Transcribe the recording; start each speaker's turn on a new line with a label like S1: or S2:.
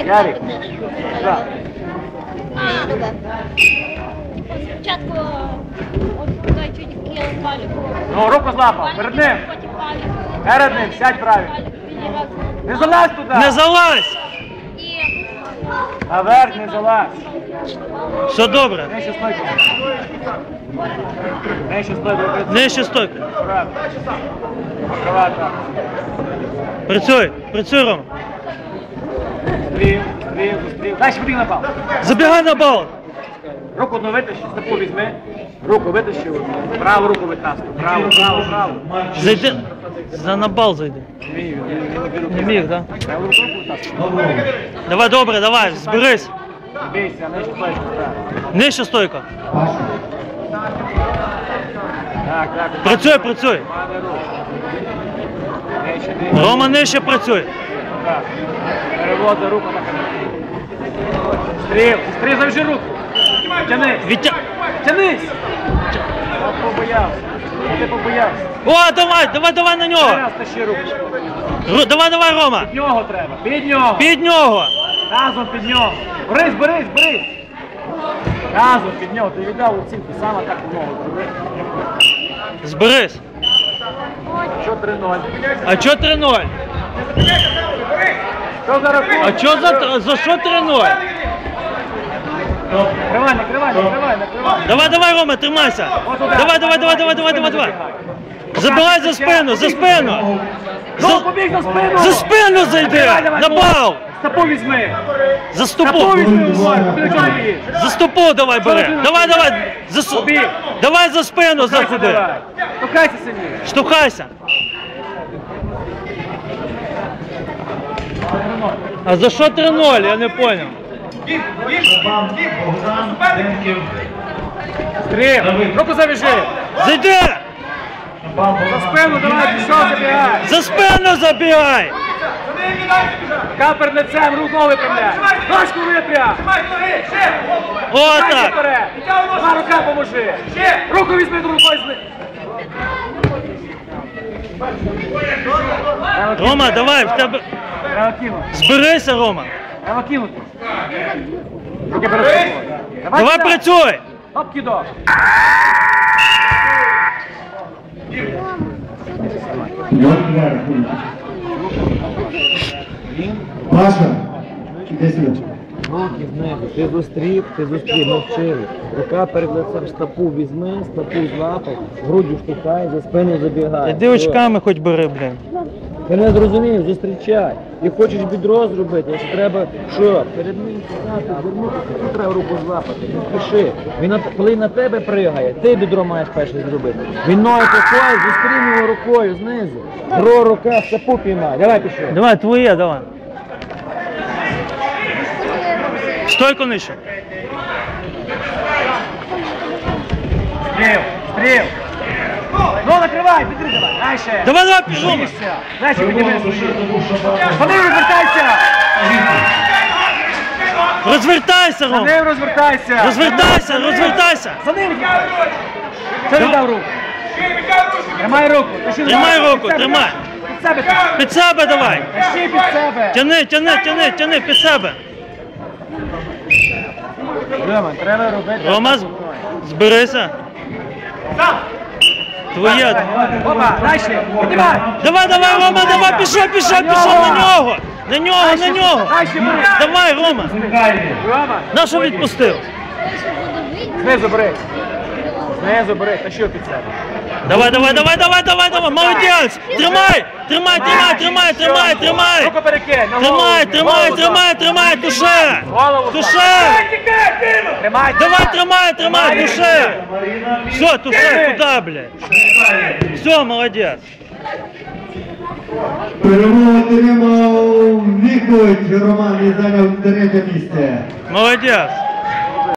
S1: Ярик. Так.
S2: Спочатку той чуть кинув паліку.
S1: Ну, руку злапав, перед ним.
S2: Потім паліку.
S1: Перед ним, сядь правильно. Не залазь туди.
S3: Не залазь!
S2: І
S1: Наверх не залазь.
S3: Все добре.
S1: Нижче стойку. Нижче стойку.
S3: Нижче стойка.
S1: Правильно. Покривай так.
S3: Працюй, Рома.
S1: Стрів. Дальше побіг на бал.
S3: Забігай на бал.
S1: Руку одну витащи, стопу візьми. Руку витащи. Праву руку витаскуй. Праву.
S3: Зайди. На бал зайди. Не міг, так?
S1: Праву руку витаскуй.
S3: Давай, добре, давай, зберись.
S1: Бійся, нижче стойку.
S3: Нижче стойка.
S1: Так.
S3: Працюй. Рома, нижче працюй.
S1: Так. Переводи руку на канал. Стрів, завжди руку. Тянись. Тянись. Ти побоявся.
S3: О, давай на нього.
S1: Раз тащи руку.
S3: Давай, Рома.
S1: Під нього треба.
S3: Під нього.
S1: Разом під нього. Борись. Разом під нього. Ти віддав оцінку, саме так у ногу зроби.
S3: Зберись.
S1: Що 3-0?
S3: А чо 3-0?
S1: Що за рахунок?
S3: А чо за що 3-0?
S1: Накривай.
S3: Давай, Рома, тримайся. Давай. Забирай за спину.
S1: Ну, побіг за спину.
S3: За спину зайди. На бал.
S1: Стопу візьми.
S3: За стопу.
S1: Побіг.
S3: За стопу давай бери. Давай. Давай за спину заходи.
S1: Штовхайся сильніше.
S3: Штовхайся. А за що 3-0? Я не понял.
S1: Стрім. Руку завяжи.
S3: Зайди.
S1: За спину давай, пішов, забігай.
S3: За спину забігай.
S1: Капер лицем, руку випрямляй. Ножку випрям.
S3: О, так.
S1: Два рука поможи. Руку візьми, другу рукою.
S3: Рома, давай, в тебе...
S1: Треба кинути.
S3: Зберися, Рома.
S1: Треба кинути. Руки перед собою.
S3: Давай працюй.
S1: Оп, кидок.
S4: Паша, іди сюди.
S5: Руки знизу, ти зустрів, ми вчили. Рука перед лицем, стопу візьми, стопу злапай, грудю штовхай, за спину забігай.
S3: Іди очками хоч бери, блін.
S5: Ти не зрозумів, зустрічай. І хочеш бідро зробити, якщо треба, що? Перед ним стати, звернутися, тут треба руку злапати, не спіши. Він, коли на тебе пригає, ти бідро маєш перше зробити. Він ногою такою, зустрів його рукою знизу. Друга рука, стопу піймай. Давай пішов.
S3: Давай, твоє, давай. Стойку нижче.
S1: Стрів. Ну, накривай, підтримай. Дальше.
S3: Давай, пішов.
S1: Дальше, підніми. Вони розвертайся.
S3: Розвертайся,
S1: За
S3: Ром.
S1: ним розвертайся.
S3: Розвертайся.
S1: За ним. Це віддав руку. Тримай руку.
S3: Тримай руку, тримай.
S1: Під себе.
S3: Під себе давай.
S1: Тащи під себе.
S3: Тяни під себе.
S1: Рома, треба робити.
S3: Рома, зберися. Твоє.
S1: Опа, дальше. Піднімай.
S3: Давай, Рома, давай, пішов на нього. На нього.
S1: Дальше бери.
S3: Давай, Рома.
S1: Рома.
S3: На що відпустив?
S1: Знизу бери. Тащи під себе.
S3: Давай. Молодець. Тримай.
S1: Руку перекинь. На голову.
S3: Тримай, душе.
S1: Голову. Тримай.
S3: Давай, тримай, душе. Все, туше, куда, блядь? Все, молодець.
S4: Перемогу отримав Вікович Роман і зайняв 3-те місце.
S3: Молодець.